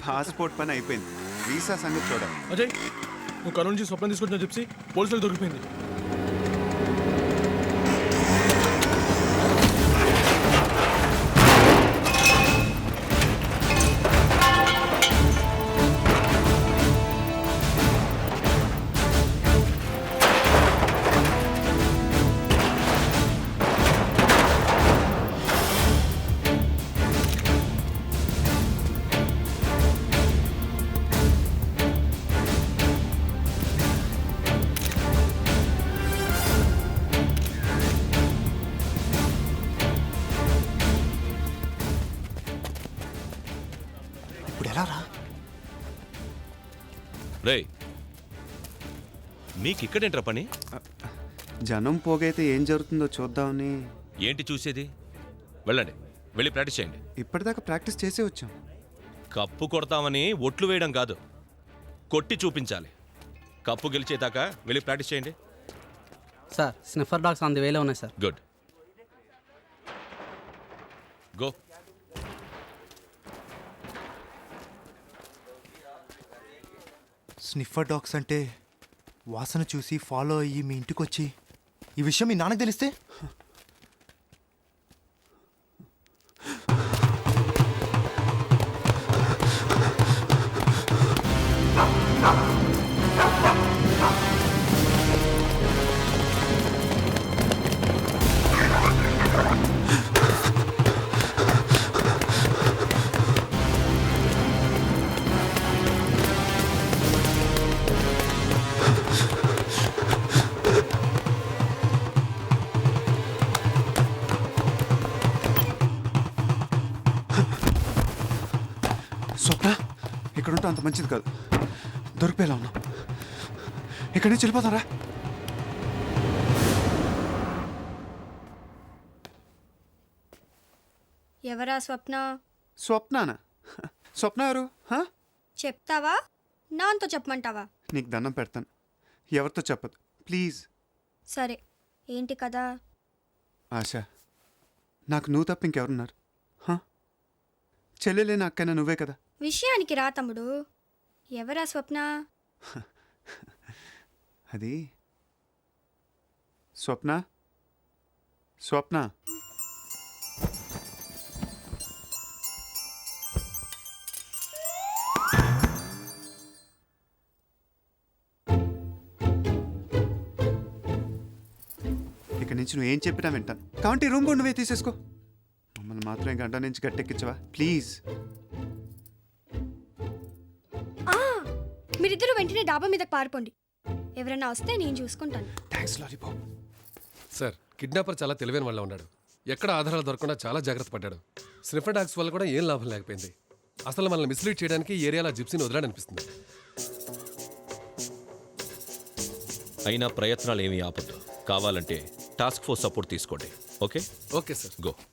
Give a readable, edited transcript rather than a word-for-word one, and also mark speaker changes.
Speaker 1: Passport పని అయిపోయింది, visa సంగతి చూడాలి.
Speaker 2: అజయ్, నువ్వు కర్నూలు నుంచి స్వప్నం తీసుకొచ్చిన చెప్పి పోలీసులకు దొరికిపోయింది.
Speaker 3: ఇప్పుడు ఎలా రా?
Speaker 4: రే, మీకిక్కడేంట్రా పని?
Speaker 1: జనం పోగైతే ఏం జరుగుతుందో చూద్దామని.
Speaker 4: ఏంటి చూసేది? వెళ్ళండి, వెళ్ళి ప్రాక్టీస్ చేయండి.
Speaker 1: ఇప్పటిదాకా ప్రాక్టీస్ చేసే వచ్చాం.
Speaker 4: కప్పు కొడతామని ఒట్లు వేయడం కాదు, కొట్టి చూపించాలి. కప్పు గెలిచేదాకా వెళ్ళి ప్రాక్టీస్ చేయండి.
Speaker 5: Sir, sniffer dogs on the వేలో ఉన్నాయి sir.
Speaker 4: Good, go.
Speaker 3: Sniffer dogs అంటే వాసన చూసి ఫాలో అయ్యి మీ ఇంటికి వచ్చి ఈ విషయం మీ నాన్నకు తెలిస్తే?
Speaker 1: స్వప్న, ఇక్కడ ఉంటే అంత మంచిది కాదు. దొరికిపోయేలా ఉన్నాం. ఇక్కడి నుంచి వెళ్ళిపోతారా?
Speaker 6: ఎవరా స్వప్న?
Speaker 1: స్వప్నానా? స్వప్న ఎవరు?
Speaker 6: చెప్తావా, నాతో చెప్పమంటావా?
Speaker 1: నీకు దండం పెడతాను, ఎవరితో చెప్పదు ప్లీజ్.
Speaker 6: సరే, ఏంటి కదా?
Speaker 1: ఆశ, నాకు నువ్వు తప్ప ఇంకెవరున్నారు? చెల్లెలేని అక్కైనా నువ్వే కదా.
Speaker 6: విషయానికి రా తమ్ముడు. ఎవరా స్వప్న?
Speaker 1: అది స్వప్న. స్వప్న, ఇక నుంచి నువ్వేం చెప్పినా వింటాను. కాబట్టి రూమ్ కూడా నువ్వే తీసేసుకో. మమ్మల్ని మాత్రం గంట నుంచి గట్టెక్కించవా ప్లీజ్.
Speaker 6: మీరిద్దరూ వెంటనే డాబా మీదకి పారిపోండి. ఎవరైనా వస్తే నేను చూసుకుంటాను.
Speaker 1: Thanks lollipop.
Speaker 7: సార్, కిడ్నాపర్ చాలా తెలివైన వాళ్ళ ఉన్నాడు. ఎక్కడ ఆధారాలు దొరకకుండా చాలా జాగ్రత్త పడ్డాడు. స్నిఫర్ డాగ్స్ వల్ల కూడా ఏం లాభం లేకపోయింది. అసలు మనల్ని మిస్లీడ్ చేయడానికి ఈ ఏరియాలో జిప్సీని వదలాడనిపిస్తుంది.
Speaker 4: అయినా ప్రయత్నాలు ఏమీ ఆపద్దు. కావాలంటే టాస్క్ ఫోర్స్ సపోర్ట్ తీసుకోండి. ఓకే?
Speaker 7: Okay sir.
Speaker 4: గో.